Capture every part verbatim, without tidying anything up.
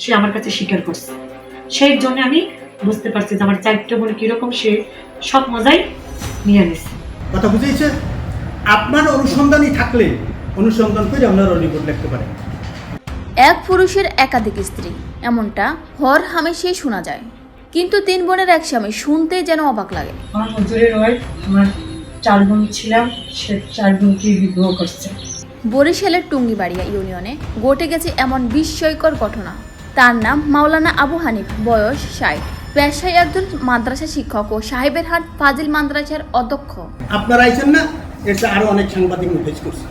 সে আমার কাছে স্বীকার করছে। সেই জন্য আমি বুঝতে পারছি যে আমার চারটা বোন কিরকম, সে সব মজাই নিয়ে নিছে। কথা বুঝেছে? আপনার অনুসন্ধানই থাকলে অনুসন্ধান করে আপনার রিপোর্ট লিখতে পারেন। এক পুরুষের একাধিক স্ত্রী, এমনটা হর হামেশাই শোনা যায়, কিন্তু তিন বোনের এক স্বামী শুনতে যেন অবাক লাগে। আমার হুজুরের ওয়াইফ, আমার চার বোন ছিলাম, সে চার বোনকে বিবাহ করছে। বরিশালের টুঙ্গিবাড়িয়া ইউনিয়নে ঘটে গেছে এমন বিস্ময়কর ঘটনা। তার নাম মাওলানা আবু হানিফ, বয়স ষাট, পেশায় একজন মাদ্রাসা শিক্ষক ও সাহেবের হাট ফাজিল মাদ্রাসার অধ্যক্ষ। আপনারা আইছেন না, এটা আরো অনেক সাংবাদিক ফেস করছে,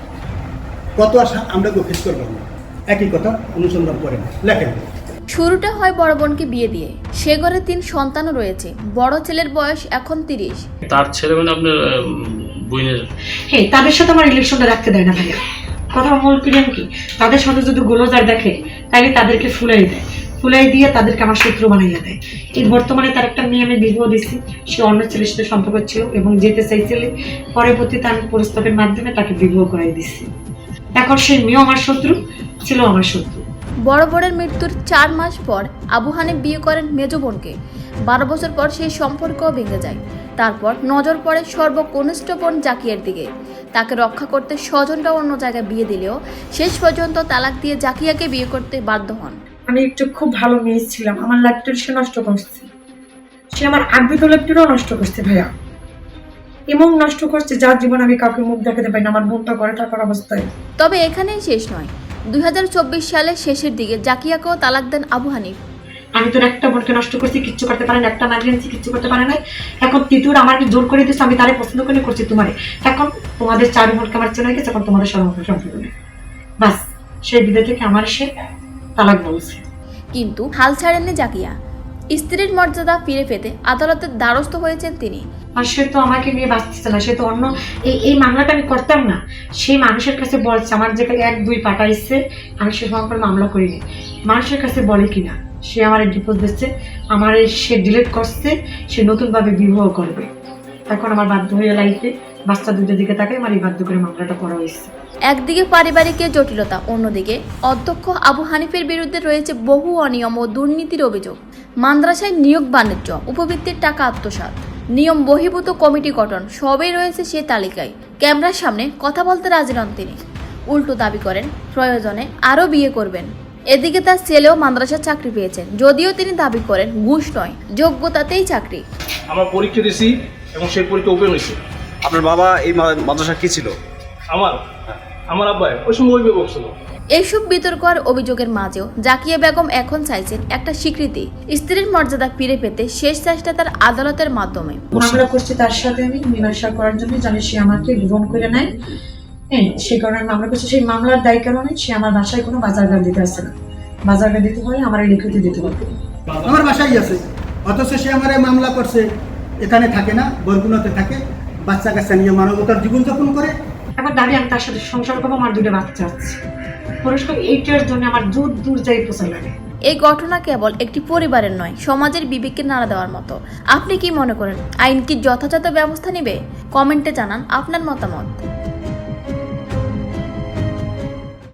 কত আশা আমরা ফেস করবো না। একই কথা, অনুসন্ধান করেন, লেখেন। শুরুটা হয় বড় বোনকে বিয়ে দিয়ে। সে ঘরে তিন সন্তানও রয়েছে। বড় ছেলের বয়স এখন তিরিশ। তার ছেলে মানে আপনার বোনের? হ্যাঁ, তাদের সাথে আমার ইলেকশনটা রাখতে দেয় না ভাইয়া। কথা মূল প্রিয়ম কি, তাদের সাথে যদি গোলজার দেখে তাহলে তাদেরকে ফুলাই দেয়, ফুলাই দিয়ে তাদেরকে আমার শত্রু বানাইয়া দেয়। এই বর্তমানে তার একটা মেয়ে আমি বিবাহ দিচ্ছি, সে অন্য ছেলের সাথে সম্পর্ক ছিল এবং যেতে চাইছিল, পরবর্তীতে আমি প্রস্তাবের মাধ্যমে তাকে বিবাহ করাই দিচ্ছি। এখন সেই মেয়েও আমার শত্রু ছিল, আমার শত্রু। বড় বোনের মৃত্যুর চার মাস পর আবু হানিফ বিয়ে করেন মেজ বোনকে। বারো বছর পর সেই সম্পর্কও ভেঙে যায়। তারপর নজর পড়ে সর্বকনিষ্ঠ বোন জাকিয়ার দিকে। তাকে রক্ষা করতে স্বজনরা অন্য জায়গায় বিয়ে দিলেও শেষ পর্যন্ত তালাক দিয়ে জাকিয়াকে বিয়ে করতে বাধ্য হন। আমি একটু খুব ভালো মেয়ে ছিলাম, আমার লাইফটা সে নষ্ট করছে। সে আমার আগ্রহ লাইফটাও নষ্ট করছে ভাইয়া, এমন নষ্ট করছে যার জীবন আমি কাউকে মুখ দেখাতে পারি না, আমার বোনটা ঘরে থাকার অবস্থায়। তবে এখানেই শেষ নয়। দুই হাজার চব্বিশ সালের শেষের দিকে জাকিয়াকেও তালাক দেন আবু হানিফ। আমি তোর একটা বোনকে নষ্ট করছি, কিচ্ছু করতে পারে না, একটা মাইগ্রেন্সি কিচ্ছু করতে পারে নাই। এখন তিতুর আমাকে জোর করে দিচ্ছে, আমি তারে পছন্দ করে করছি তোমারে। এখন তোমাদের চার বোনকে আমার চেনা গেছে, এখন তোমাদের সর্বত্র সম্পর্ক নেই। বাস, সেই বিদায় থেকে আমার সে তালাক বলছে। কিন্তু হাল ছাড়েননি জাকিয়া। স্ত্রীর মর্যাদা ফিরে পেতে আদালতের দ্বারস্থ হয়েছেন তিনি। আর সে তো আমাকে নিয়ে বাঁচতেছে না, সে তো অন্য এই এই মামলাটা আমি করতাম না। সেই মানুষের কাছে বলছে, আমার যে এক দুই পাঠাইছে, আমি সে সম্পর্কে মামলা করিনি। মানুষের কাছে বলে কিনা সে আমার ডিভোর্স দিচ্ছে, আমার সে ডিলিট করছে, সে নতুনভাবে বিবাহ করবে। এখন আমার বাধ্য হয়ে লাইফে বাচ্চা দুটোর দিকে তাকাই আমার এই বাধ্য করে মামলাটা করা হয়েছে। একদিকে পারিবারিক জটিলতা, অন্যদিকে অধ্যক্ষ আবু হানিফের বিরুদ্ধে রয়েছে বহু অনিয়ম ও দুর্নীতির অভিযোগ। মাদ্রাসায় নিয়োগ বাণিজ্য, উপবৃত্তির টাকা আত্মসাৎ, নিয়ম বহির্ভূত কমিটি গঠন, সবই রয়েছে সে তালিকায়। ক্যামেরার সামনে কথা বলতে রাজি নন তিনি। উল্টো দাবি করেন প্রয়োজনে আরও বিয়ে করবেন। এদিকে তার ছেলেও মাদ্রাসার চাকরি পেয়েছেন, যদিও তিনি দাবি করেন ঘুষ নয়, যোগ্যতাতেই চাকরি। আমরা পরীক্ষা দিয়েছি এবং সেই পরীক্ষা ওপেন হয়েছে। আপনার বাবা এই মাদ্রাসা কি ছিল? আমার আমার আব্বাই ওই সময় অভিভাবক ছিল। এইসব বিতর্ক আর অভিযোগের মাঝেও জাকিয়া বেগম এখন চাইছেন একটা স্বীকৃতি। স্ত্রীর মর্যাদা ফিরে পেতে শেষ চেষ্টা তার আদালতের মাধ্যমে। মামলা করছি তার সাথে আমি মীমাংসা করার জন্য, জানি সে আমাকে গ্রহণ করে নেয়। হ্যাঁ, সে কারণে মামলা করছি। সেই মামলার দায় কারণে সে আমার বাসায় কোনো বাজার গাড়ি দিতে আসছে না। বাজার গাড়ি দিতে হয় আমার লিখিত দিতে হবে। আমার বাসায় আছে, অথচ সে আমার মামলা করছে, এখানে থাকে না, বরগুনাতে থাকে, বাচ্চা কাচ্চা নিয়ে মানবতার জীবনযাপন করে। এখন দাবি আমি তার সাথে সংসার করবো, আমার দুটো বাচ্চা আছে। পুরস্কার এইটার জন্য আমার দূর দূর যাই পোষা লাগে। এই ঘটনা কেবল একটি পরিবারের নয়, সমাজের বিবেককে নাড়া দেওয়ার মতো। আপনি কি মনে করেন, আইন কি যথাযথ ব্যবস্থা নেবে? কমেন্টে জানান আপনার মতামত।